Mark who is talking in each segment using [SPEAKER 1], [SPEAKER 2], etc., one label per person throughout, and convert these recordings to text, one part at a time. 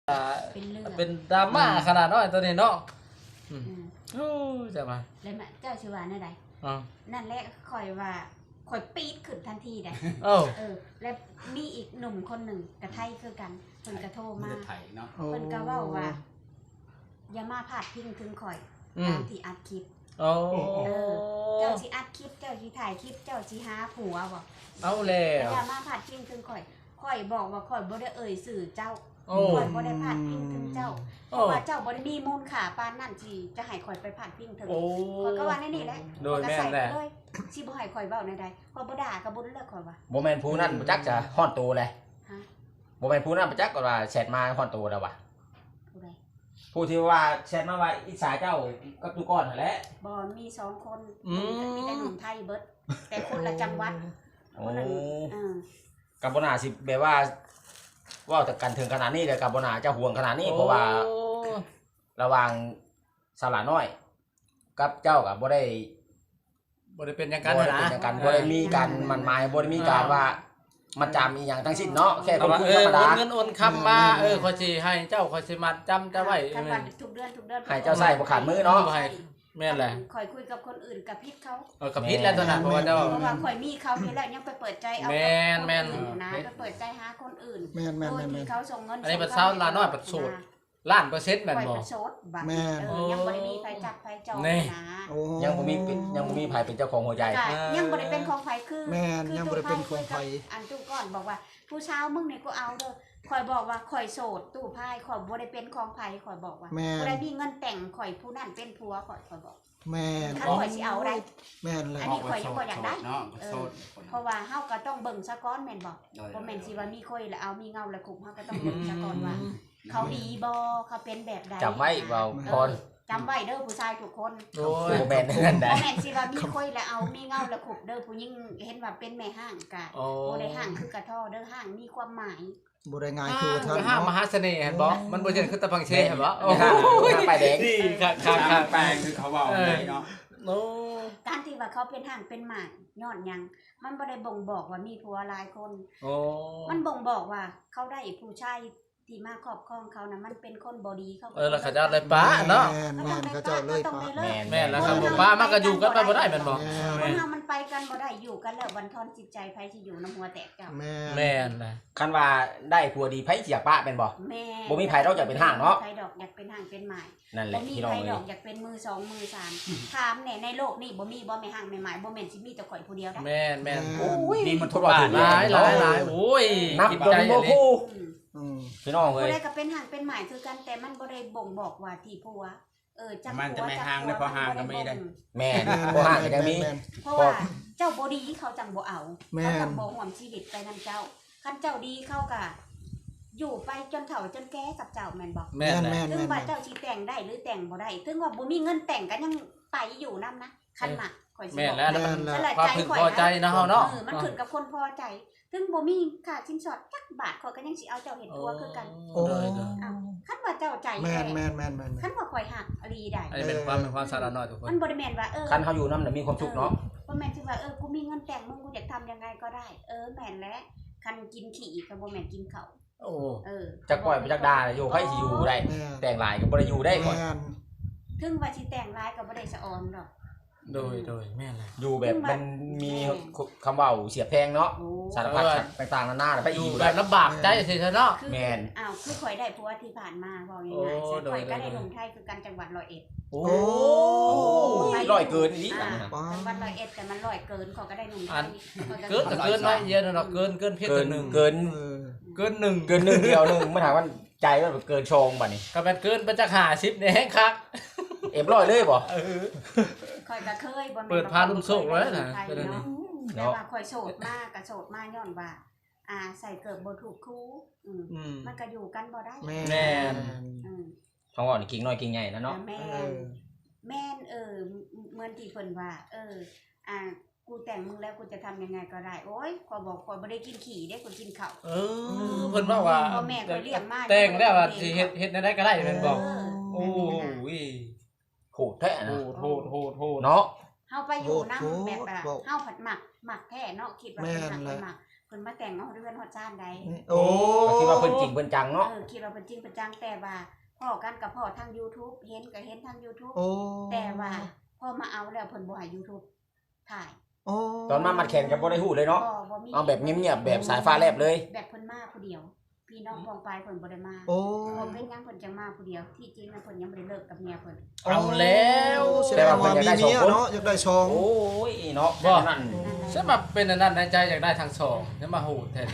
[SPEAKER 1] เป็นดราม่าขนาดน้อยตัวนี้เนาะโอ้จะมา
[SPEAKER 2] เลยมาเจ้าชื่อว่านั่นใดนั่นแหละคอยว่าคอยปี๊ดขึ้นทันทีได้แล้วมีอีกหนุ่มคนหนึ่งกระไทยคือกันเพิ่นกระโทรมาเพิ่นก็เว้าว่าอย่ามาพาดพิงถึงข่อยตามที่อัดคลิปเจ้าสิอัดคลิปเจ้าสิถ่ายคลิปเจ้าสิหาผัวบ่
[SPEAKER 1] เอาแล้ว
[SPEAKER 2] อย่ามาพาดพิงถึงข่อยบอกว่าข่อยบ่ได้เอ่ยสื่อเจ้าข่อยบ่ได้พาดพิงถึงเจ้าเพราะว่าเจ้าบ่ได้มีมูลค่าปานนั้นที่จะให้ข่อยไปพาดพิงถึงข่อยก็ว่านี่แหละ
[SPEAKER 1] โดยแม่นแหละ
[SPEAKER 2] สิบ่ให้ข่อยเว้าในใดข่อยบ่ด่าก็บ่เลิกข่อยว่า
[SPEAKER 3] บ่แม่นผู้นั้นบ่จักจะฮ้อนโตเลยบ่แม่นผู้นั้นบ่จักก็ว่าแชทมาฮ้อนโตแล้วว่ะ
[SPEAKER 2] ผู้ใด
[SPEAKER 3] ผู้ที่ว่าแชทมาว่าอิจฉาเจ้ากับตุก้อนนั่นแหละ
[SPEAKER 2] บ่มี2คนมีแต่หนุ่มไทยเบิดแต่คนละจังหวัดคนนึง
[SPEAKER 3] กับบ่น่าสิแบบว่าเว้าแต่กันถึงขนาดนี้เลยกับบ่น่าจะห่วงขนาดนี้เพราะว่าระหว่างสลาน้อยกับเจ้าก็บ่ได้
[SPEAKER 1] เป็นอย่างกัน
[SPEAKER 3] นะบ่ได้มีการมั่นหมายบ่ได้มีการว่ามันจำอีหยังทั้งสิ้นเนาะแค่คนคุยธรรมดา
[SPEAKER 1] เงินโอนคำมาขอยสิให้เจ้าขอยสิมัดจำจะไว้
[SPEAKER 2] ทุกเดือน
[SPEAKER 3] ให้เจ้าใส่บ่ขาดมือเนาะ
[SPEAKER 1] แม่นแหละ
[SPEAKER 2] ข่อยคุยกับคนอื่นกับพิษเขา
[SPEAKER 1] กับพิษแล้วตอนนั้นเพราะว่าเจ้า
[SPEAKER 2] ข่อยมีเขานี่แหละยังไปเปิดใจเอา
[SPEAKER 1] แม่น
[SPEAKER 2] นะไปเปิดใจหาคนอื่น
[SPEAKER 4] แม่น
[SPEAKER 2] ที่เขาส่งเงิน
[SPEAKER 1] อันนี้เป็นเช้าลาน้อยประสูตรล้านเปอร์เซ็นต์แม่นบ่
[SPEAKER 4] แม่น
[SPEAKER 2] ยังบ่ได้มีไผจับไผจองนะ
[SPEAKER 3] ยังบ่มีไผเป็นเจ้าของหัวใจ
[SPEAKER 2] ยังบ่ได้เป็นของไผคือ
[SPEAKER 4] แม่นยังบ่ได้เป็นของไผ
[SPEAKER 2] อันตู้ก่อนบอกว่าผู้ชาวมึงนี่กูเอาเด้อข่อยบอกว่าข่อยโสดตู้ไพ่ข่อยบ่ได้เป็นของไผข่อยบอกว่าบ่ได้มีเงินแต่งข่อยผู้นั้นเป็นผัวข่อยบอก
[SPEAKER 4] แม่น
[SPEAKER 2] ถ้าข่อยสิเอาได้
[SPEAKER 4] แม่นเลย
[SPEAKER 2] อันนี้ข่อยยังบ่อยากได้เพราะว่าเฮาก็ต้องเบิ่งซะก่อนแม่นบ่บ่แม่นสิว่ามีข่อยแล้วเอามีเงาแล้วคุมเฮาก็ต้องเบิ่งซะก่อนว่าเขาดีบ่เขาเป็นแบบใด
[SPEAKER 3] จำไว้เว้าพร
[SPEAKER 2] จำไว้เด้อผู้ชายทุกคน
[SPEAKER 3] บ่แม่นนั่นได้
[SPEAKER 2] บ่แม่นสิว่ามีข่อยแล้วเอามีเงาแล้วคุมเด้อผู้หญิงเห็นว่าเป็นแม่ห้างกะบ่ได้ห้างคือกระท่อเด้อห้างมีความหมาย
[SPEAKER 4] บ่ได้ง่ายคือท่าน
[SPEAKER 1] ห้างมหาเสน่ห์เห็นบ่มันบ่ใช่คือตะพังเชเห็นบ่
[SPEAKER 3] ห้างไปแดง
[SPEAKER 1] นี่ข้าง
[SPEAKER 5] แปลงคือเขาเว้าได้เนาะ
[SPEAKER 2] การที่ว่าเขาเป็นห้างเป็นหมายย้อนหยังมันบ่ได้บ่งบอกว่ามีผัวหลายคนมันบ่งบอกว่าเขาได้ผู้ชายที่มาครอบครองเขานะมันเป็นคนบ่ดีเขา
[SPEAKER 1] แล้วเขาจะเลยป้าเนาะ
[SPEAKER 4] แม่นเขาจะเลยป้า
[SPEAKER 1] แม่นแล้วครับป้ามันก็อยู่กันไปบ่ได้แม่นบ่
[SPEAKER 2] คนเฮามันไปกันบ่ได้อยู่กันแล้ววันทอนจิตใจไผสิอยู่นำหัวแตกเจ้า
[SPEAKER 1] แม่นนะ
[SPEAKER 3] คันว่าได้ผัวดีไผสิอยากป้าแม่นบ่บ่มีไผดอกอยากเป็นห้างเนาะ
[SPEAKER 2] ไผดอกอยากเป็นห้างเป็นหมาย
[SPEAKER 3] นั่นแหละพี่น้อง
[SPEAKER 2] เอ้ยบ่มีไผดอกอยากเป็นมือ2มือ3ถามแน่ในโลกนี้บ่มีบ่แม่ห้างแม่หมายบ่แม่นสิมีแต่ข่อยผู้เดียวได้
[SPEAKER 1] แม่น
[SPEAKER 3] โอ้ย
[SPEAKER 1] นี่มันทุกบ้านหลายโอ้ย
[SPEAKER 3] กินใจบ่คู่พี่น้องเอ้ย
[SPEAKER 2] บ่ได้ก็เป็นห่างเป็นหมายคือกันแต่มันบ่ได้บ่งบอกว่าที่ผัวจัก
[SPEAKER 5] มันจะไม่ห่างได้พอห่างก็ไม่ได้
[SPEAKER 3] แม่นบ่ห่างก็ยังมี
[SPEAKER 2] เพราะว่าเจ้าบ่ดีเขาจังบ่เอาเขาจังบ่ร่วมชีวิตไปนำเจ้าคันเจ้าดีเขาก็อยู่ไปจนเฒ่าจนแก่กับเจ้าแม่นบ่
[SPEAKER 4] แม่น
[SPEAKER 2] ถึงว่าเจ้าสิแต่งได้หรือแต่งบ่ได้ถึงว่าบ่มีเงินแต่งก็ยังไปอยู่นำนะคันมักข่อยสิบอก
[SPEAKER 1] แม่นแล้วความพึงพอใจนะเฮาเนาะ
[SPEAKER 2] มันขึ้นกับคนพอใจถึงบ่มีค่าสินสอดจักบาทข่อยก็ยังสิเอาเจ้าเฮ็ดผัวคือกันคันว่าเจ้าใจ
[SPEAKER 4] แม่น
[SPEAKER 2] คันว่าข่อยฮักอลีได้
[SPEAKER 1] อันนี้เป็นความสาระน้อยทุกคน
[SPEAKER 2] มันบ่ได้แม่นว่า
[SPEAKER 3] คันเฮาอยู่นำน่ะมีความสุขเนาะ
[SPEAKER 2] บ่แม่นสิว่ากูมีเงินแต่งมึงกูอยากทำยังไงก็ได้แม่นแล้วคันกินขี้ก็บ่แม่นกินข้าว
[SPEAKER 3] จักปล่อยไปจักด่าอยู่ไผสิอยู่ได้แต่งหลายก็บ่ได้อยู่ได้ก่อน
[SPEAKER 2] ถึงว่าสิแต่งหลายก็บ่ได้สะออนดอก
[SPEAKER 1] โดยแม่นแหละ
[SPEAKER 3] อยู่แบบมันมีคำเว้าเสียบแพงเนาะสารพัดต่างๆนานาไปอยู่
[SPEAKER 1] แบบลำบากใจสิเนาะ
[SPEAKER 3] แม่น
[SPEAKER 2] คือข่อยได้ผัวที่ผ่านมาเว้าง่ายๆข่อยก็ได้ลงไทยคือกันจังหวัด101
[SPEAKER 3] โอ้ร้อยเกินอีก
[SPEAKER 2] จังหวัด101แต่มัน100เกินเขาก็ได้ลงไทย
[SPEAKER 1] เกินไว้เยอะเนาะเกินเพียงตัวนึง
[SPEAKER 3] เกิน1เดียวนึงมันถามว่าใจว่าเกินชงบัดนี้
[SPEAKER 1] ก็มันเกินไปจัก50นี่แฮงคัก
[SPEAKER 3] ร้อยเลยบ่
[SPEAKER 2] ข่อยก็เคยบ่
[SPEAKER 1] เปิดพาลุ่มโซกไว้น่ะ
[SPEAKER 2] แต่ว่าข่อยโสดมากก็โสดมาย้อนว่าใส่เกิดบ่ถูกคู่มันก็อยู่กันบ่ได้
[SPEAKER 1] แม่น
[SPEAKER 3] ท้องอ่อนกิ่งน้อยกิ่งใหญ่นะเนาะ
[SPEAKER 2] แม่นเหมือนที่เพิ่นว่ากูแต่งมึงแล้วกูจะทำยังไงก็ได้โอ๊ยข่อยบอกข่อยบ่ได้กินขี้เด้กูกินข้าว
[SPEAKER 1] เพิ่นว่า
[SPEAKER 2] พ่อแม่ข่อยเลี้ยงมา
[SPEAKER 1] แต่งแล้วว่าสิเฮ็ดได้ก็ได้เพิ่นบอกโอ้ย
[SPEAKER 3] โหดแท้นะ
[SPEAKER 1] โหด
[SPEAKER 3] เนาะ
[SPEAKER 2] เฮาไปอยู่นำแบบเฮาผัดหมักแท้เนาะคิดว่าเป็นหมักพิ่นมาแต่งเอาเรือนฮอดซ่านใด
[SPEAKER 4] โอ้
[SPEAKER 3] ก็คิดว่าเพิ่นจริงเพิ่นจังเนาะ
[SPEAKER 2] คิดว่าเพิ่นจริงเพิ่นจังแต่ว่าพ่อกันกับพ่อทาง YouTube เห็นก็เห็นทาง YouTube
[SPEAKER 4] โอ้
[SPEAKER 2] แต่ว่าพอมาเอาแล้วเพิ่นบ่ให้ YouTube ถ่าย
[SPEAKER 4] โอ้
[SPEAKER 3] ตอนมามัดแขนก็บ่ได้ฮู้เลยเนาะ
[SPEAKER 2] บ่มี
[SPEAKER 3] เอาแบบเงียบๆแบบสายฟ้าแลบเลย
[SPEAKER 2] แบบเพิ่นมาผู้เดียว พี่น้องพองไปเพิ่นบ่ได้มา
[SPEAKER 4] โอ้
[SPEAKER 2] บ่เป็นหยังเพิ่นจังมาผู้เดียวที่จริงแล้วเพิ่นยังบ่ได้เลิกกับเมียเพิ่น
[SPEAKER 1] เอาแล้ว
[SPEAKER 4] แสดงว่ามีเมียเนาะอยากได้ชอง
[SPEAKER 3] โอ้ยเนาะ
[SPEAKER 1] บ่
[SPEAKER 3] นั่น
[SPEAKER 1] ฉันมาเป็นอันนั้นในใจอยากได้ทั้งสองฉันมาโหดแทน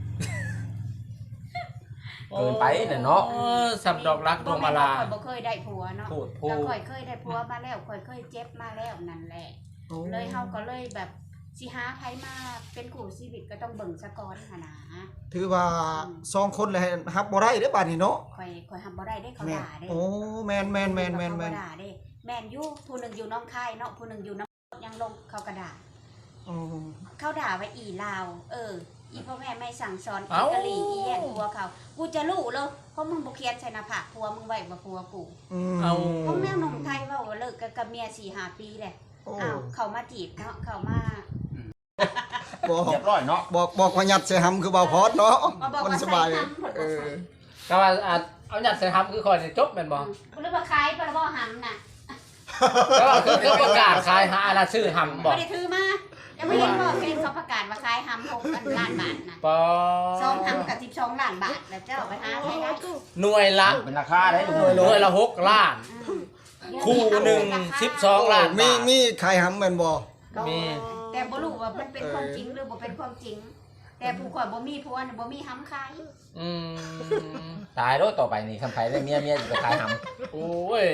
[SPEAKER 3] เกินไปเนี่ยเนาะ
[SPEAKER 1] สับดอกรักดวงมาลา
[SPEAKER 2] ข่อยบ่เคยได้ผัวเนาะ
[SPEAKER 1] พูดพู
[SPEAKER 2] แต่
[SPEAKER 1] ด
[SPEAKER 2] ข่อยเคยได้ผัวมาแล้วข่อยเคยเจ็บมาแล้วนั่นแหละ
[SPEAKER 4] โอ้
[SPEAKER 2] เลยเฮาก็เลยแบบสิหาไผมาเป็นคู่ชีวิตก็ต้องเบิ่งซะก่อนหั่นนะ
[SPEAKER 4] ถือว่า2คนเลยฮับบ่ได้เด้อบัดนี้เนาะ
[SPEAKER 2] ข่อยทำบ่ได้ได้เขา
[SPEAKER 4] แม่น
[SPEAKER 2] ด่าได้
[SPEAKER 4] โอ้แม่น
[SPEAKER 2] เขาบ่ด่าได้แม่นอยู่ผู้หนึงอยู่น้องคายเนาะผู้หนึงอยู่น้ำยังลงเขาก็ด่า
[SPEAKER 4] โอ้
[SPEAKER 2] เขาด่าว่าอีลาวอีพ่อแม่ไม่สั่งสอนอี
[SPEAKER 1] เอ้า
[SPEAKER 2] กะหรี่อีแย่งผัวเขากูจะรู้เลยเพราะมึงบ่เขียนใส่หน้าผากผัวมึงไว้ว่าผัวกู
[SPEAKER 1] เอา
[SPEAKER 2] พวกแม่หนุ่มไทยเว้าว่าเลิกกับเมีย 4-5 ปีแหละ
[SPEAKER 4] โอ้
[SPEAKER 2] อ้าวเขามาจีบเนาะเขามา
[SPEAKER 4] บอก
[SPEAKER 3] เรียบร้อยเนาะ
[SPEAKER 4] บอกว่ายัดใส่หำคือบ่าวพอดเนาะ
[SPEAKER 2] มาบอก
[SPEAKER 4] มัน
[SPEAKER 2] ว่า
[SPEAKER 4] ส
[SPEAKER 2] ใส่
[SPEAKER 4] บาย
[SPEAKER 2] ทำผล
[SPEAKER 4] เอ
[SPEAKER 2] บ่
[SPEAKER 4] อ
[SPEAKER 2] ใส่
[SPEAKER 1] ก็ว่าเอาหยัดใส่ทำคือคอยจะจบแม่นบ่
[SPEAKER 2] หรือว่าขายปลาบ่หำน่ะ
[SPEAKER 1] ก็ว่าคือประกาศขายหาอะไรชื่อหำบ่
[SPEAKER 2] ไม่ได้ถือมายังไม่เห็นบ่เห็นเขาประกาศว่าขายหำ6 ล้านบาทน่ะ
[SPEAKER 1] ปอ
[SPEAKER 2] 2หำกับ12 ล้านบาทแล้วเจ้าไปหาใช้ได้
[SPEAKER 1] หน่วยละ
[SPEAKER 3] เป็นราคาได้ลูก
[SPEAKER 1] หน่วยละ6 ล้าน คู่หนึ่ง12 ล้าน
[SPEAKER 4] มีใครหำแม่นบ่
[SPEAKER 1] มี
[SPEAKER 2] แต่บ่รู้ว่ามันเป็นความจริงหรือบ่เป็นความจริง แต่ผู้ข่อยบ่มีผัวน่ะบ่มีหำขาย
[SPEAKER 1] อืม
[SPEAKER 3] ตายแล้วต่อไปนี่คันไผได้เมียสิไปขายหำ
[SPEAKER 1] โอ้ย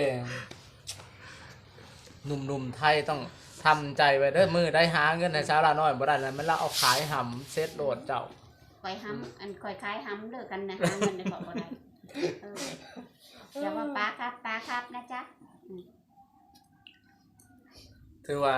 [SPEAKER 1] หนุ่มๆไทยต้องทำใจไว้เด้อมือได้หาเงินในเช้าละน้อยบ่ได้แล้วมันละเอาขายหำเซ็ตโหลดเจ้า
[SPEAKER 2] ข่อยหำอันข่อยขายหำเลิกกันนะหาเงินได้บ่ได้อย่าว่าป้าครับนะจ๊ะ
[SPEAKER 1] ถือว่า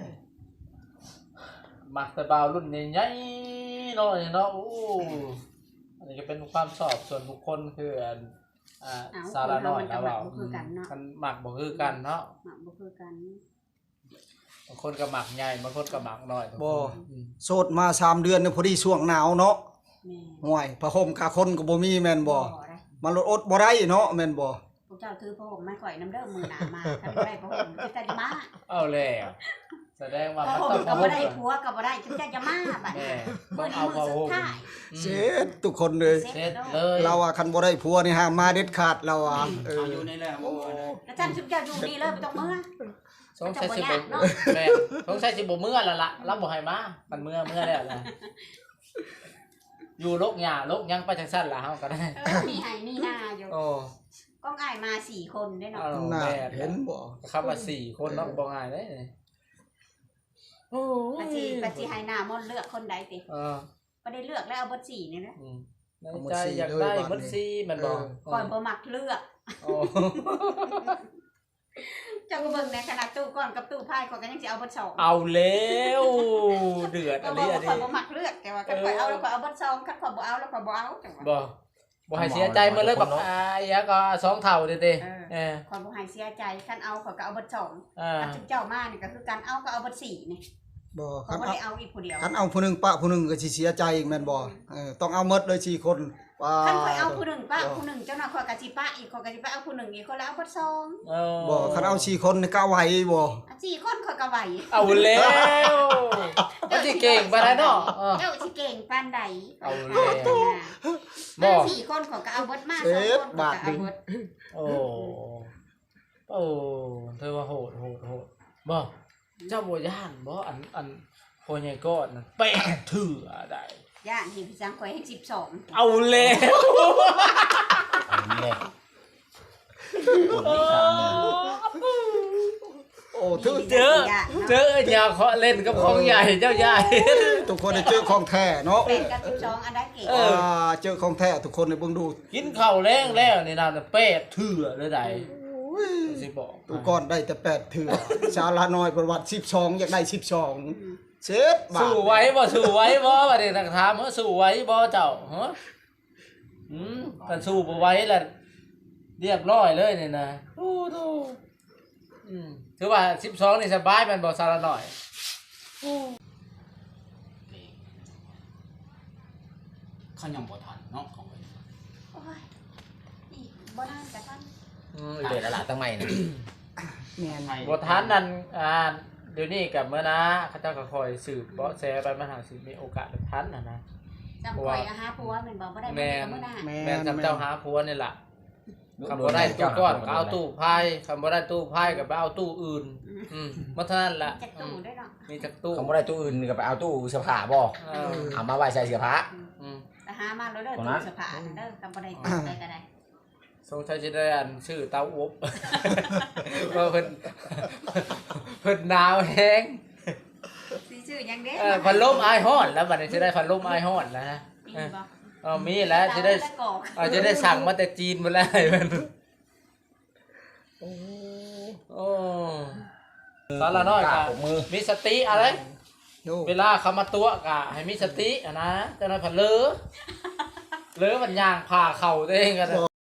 [SPEAKER 1] มักแต่บ่าวรุ่นใหญ่ๆเนาะนี่เนาะโอ้อันนี้ก็เป็นความชอบส่วนบุคคลคือสาระน้อยนะว่ามันมักบ่คือกันเนาะ
[SPEAKER 2] บ่คือกัน
[SPEAKER 1] บางคนก็หมักใหญ่บางคนก็หมักน้อย
[SPEAKER 4] บ่โสดมา3เดือนเนี่ยพอดีช่วงหนาวเนาะ
[SPEAKER 2] แม่
[SPEAKER 4] ห่วยผ้าห่มคาคนก็บ่มีแม่นบ่
[SPEAKER 2] ได้
[SPEAKER 4] มันลดอดบ่ได้เนาะแม่นบ่
[SPEAKER 2] พวกเจ้าถือผ้าห่มมาข่อยน้ำเด้อมือหนามาคันบ่ได้ผ้าห่มจะจะมา
[SPEAKER 1] เอาแล้วแสดงว่า
[SPEAKER 2] ผ้า
[SPEAKER 1] มัน
[SPEAKER 2] ห่
[SPEAKER 1] ต้อ
[SPEAKER 2] ม
[SPEAKER 1] ง
[SPEAKER 2] ก็บ่ได้ผัวก็บ่ได้จะมาบัด
[SPEAKER 1] แม่
[SPEAKER 2] มื้อนี้
[SPEAKER 1] เอา
[SPEAKER 2] มื้อ
[SPEAKER 1] ผ้า
[SPEAKER 2] สุ
[SPEAKER 1] ห่
[SPEAKER 2] ด
[SPEAKER 1] ม
[SPEAKER 2] ท้าย
[SPEAKER 4] เสร็จทุกคนเลย
[SPEAKER 1] เสร็จเลย
[SPEAKER 4] เราว่าคันบ่ได้ผัวนี่ห้ามมาเด็ดขาดเราอ่ะเออ
[SPEAKER 5] เอาอยู่นี่แหละบ่นะ
[SPEAKER 2] แล้วท่านชุบเจ้าอยู่ดีเลยบ่ต้องมื้อ
[SPEAKER 1] สงสัยสิบ่แม่สงสัยสิบ่เมื่อแล้วล่ะรับบ่ให้มามันเมื่อแล้วล่ะอยู่ลกหญ้าลกหยังไปจังซั่นล่ะเฮาก็ได้
[SPEAKER 2] มีให้มีหน้าอยู่
[SPEAKER 1] โอ้
[SPEAKER 2] ก้องอ้ายมา4คนได้เนาะ
[SPEAKER 1] เอา
[SPEAKER 4] น่า
[SPEAKER 1] แม่
[SPEAKER 4] เห็นบ่
[SPEAKER 1] ครับว่า4คนเนาะบ่ง่ายเด้โอ้
[SPEAKER 2] ปฏิให้หน้ามนต์เลือกคนใดติ บ่ได้เลือกแล้วเอาเบิด4นี่นะ
[SPEAKER 1] ในใจอยากได้มันซีมันบอก
[SPEAKER 2] ข่อยบ่มักเลือก
[SPEAKER 1] โอ้
[SPEAKER 2] เจ้าก็เบิ่งในขนาดตู้ก่อนกับตู้พายข่อยก็ยังสิเอาเบิด2
[SPEAKER 1] เอาแล้วเดือด
[SPEAKER 2] ก็
[SPEAKER 1] อัน
[SPEAKER 2] บอ
[SPEAKER 1] นี้
[SPEAKER 2] ก
[SPEAKER 1] อั
[SPEAKER 2] ว่าน ข่อย
[SPEAKER 1] นี้
[SPEAKER 2] บ่มักเลือกแต่ว่าคันข่อยเอาแล้วข่อยเอาเบิด2คันข่อยบ่เอาแล้วข่อยบ่เอาจังว่า
[SPEAKER 1] บ่ให้เสียใจมาเลยแบบยาก็2เท่าเด้ๆ
[SPEAKER 2] ข่อยบ่ให้เสียใจคันเอาข่อยก็เอาเบิด2
[SPEAKER 1] อ่า
[SPEAKER 2] คันเจ้ามานี่ก็คือการเอาก็เอาเบิด4นี่
[SPEAKER 4] บ่
[SPEAKER 2] ข่อยบ่ได้เอาอีกผู้เดียว
[SPEAKER 4] คันเอาผู้หนึงปะผู้หนึงก็สิเสียใจอีกแม่นบ่ต้องเอาหมดเลย4คนว่า
[SPEAKER 2] คันข่อยเอาผู้หนึงป้าผู้หนึงเจ้าน่ะข่อยก็สิป้าอีกข่อยก็สิไปเอาผู้หนึงอีกคนแล้วเอาเบิด2
[SPEAKER 4] บ่คันเอา4คนนี่ก็ไหวบ่
[SPEAKER 2] 4คนข่อยก็ไหว
[SPEAKER 1] เอาแล้วมันสิเก่งปานใดเนาะ
[SPEAKER 2] เจ้าสิเก่งปานใด
[SPEAKER 1] เอาแล้ว
[SPEAKER 2] บ่
[SPEAKER 1] บ่
[SPEAKER 2] 4คนข่อยก็เอาเบิดมา2คนข่อยก็เอาเบิด
[SPEAKER 1] โอ้เธอว่าโหดบ่เจ้าบ่ย่านบ่อันพ่อใหญ่ก้อนนั่นเป๊ะถือได้
[SPEAKER 2] ย่านเห็นพี่จังข่อยให้12
[SPEAKER 1] เอาแล้ว
[SPEAKER 3] อันนี้เลยคนที่ทำเนี่ย
[SPEAKER 4] โอ้ถึง
[SPEAKER 1] เจออย่าเคาะเล่นกับของใหญ่เจ้าใหญ่
[SPEAKER 4] ทุกคนได้เจอของแท้เนาะ
[SPEAKER 2] เป็นกับ12อันใดเก่ง
[SPEAKER 4] เจอของแท้ทุกคนได้เบิ่งดู
[SPEAKER 1] กินข้าวแรงแล้วนี่นะเป๊ะถือเลยได้สิบอก
[SPEAKER 4] ทุกคนได้แต่8เถื่อชาละน้อยประวัติ12อยากได้12เสร็จบาท
[SPEAKER 1] สู้ไว้บ่บัดนี้นักถามว่าสู้ไว้บ่เจ้าฮะกันสู้บ่ไหว้ล่ะเรียบร้อยเลยนี่นะโอ้โธ่ถือว่า12นี่สบายแม่นบ่ซาละหน่อย
[SPEAKER 5] เขายังบ่ทันเนาะของเพิ่น
[SPEAKER 2] โอ้ยอีกบ่นานกะทัน
[SPEAKER 3] เด็ดละล่ะตั้งใหม่นี่
[SPEAKER 4] แม่น
[SPEAKER 5] ไทย
[SPEAKER 1] บ่ทันนั่นเดี๋ยวนี้กับเมื่อนะเขาเจ้าก็คอยสืบเบาะแสไปมันหาสิมีโอกาสได้ทันนะ
[SPEAKER 2] จำข่อยหาผัวแม่นบ่บ่ได้บ่ได้มื้อหน้า
[SPEAKER 1] แม่นจำเจ้าหาผัวนี่ล่ะคำบ่ได้ตู้ก้อนก็เอาตู้ไพ่คำบ่ได้ตู้ไพ่ก็ไปเอาตู้อื่นมาเท่านั้นล่ะ
[SPEAKER 2] จักตู้ได้เนาะ
[SPEAKER 1] มีจักตู้
[SPEAKER 3] เขาบ่ได้ตู้อื่นก็ไปเอาตู้เสื้อผ้าบ่
[SPEAKER 1] เออ
[SPEAKER 3] เอามาไว้ใส่เสื้อผ้า
[SPEAKER 2] แต่หามาแล้วเด้อ
[SPEAKER 3] ตรง
[SPEAKER 2] ตู้
[SPEAKER 3] นั้น
[SPEAKER 2] เสื้อผ้าเด้อก็บ่ได้ตู้ได้ก็ได้
[SPEAKER 1] สงสัยจะได้อันชื่อเต้าอบ ว่าเพิ่นหนาวแฮง
[SPEAKER 2] สิชื่อหยังเด้
[SPEAKER 1] พัดลมอายฮ้อนแล้วบัดนี้จะได้พัดลมอายฮ้อนนะฮะ
[SPEAKER 2] มีบ่
[SPEAKER 1] มีแล้วจะได้
[SPEAKER 2] ตะกอก
[SPEAKER 1] จะได้สั่งมาแต่จีนมาแล้วมันโอ้สารน้อย
[SPEAKER 3] ก
[SPEAKER 1] กะ
[SPEAKER 3] ปรบมือ
[SPEAKER 1] มีสติอะไร
[SPEAKER 4] โย
[SPEAKER 1] เวลาเขามาตัวกะให้มีสตินะจะได้ผัดเลอมันย่างผ่าเข่าตัวเองกัน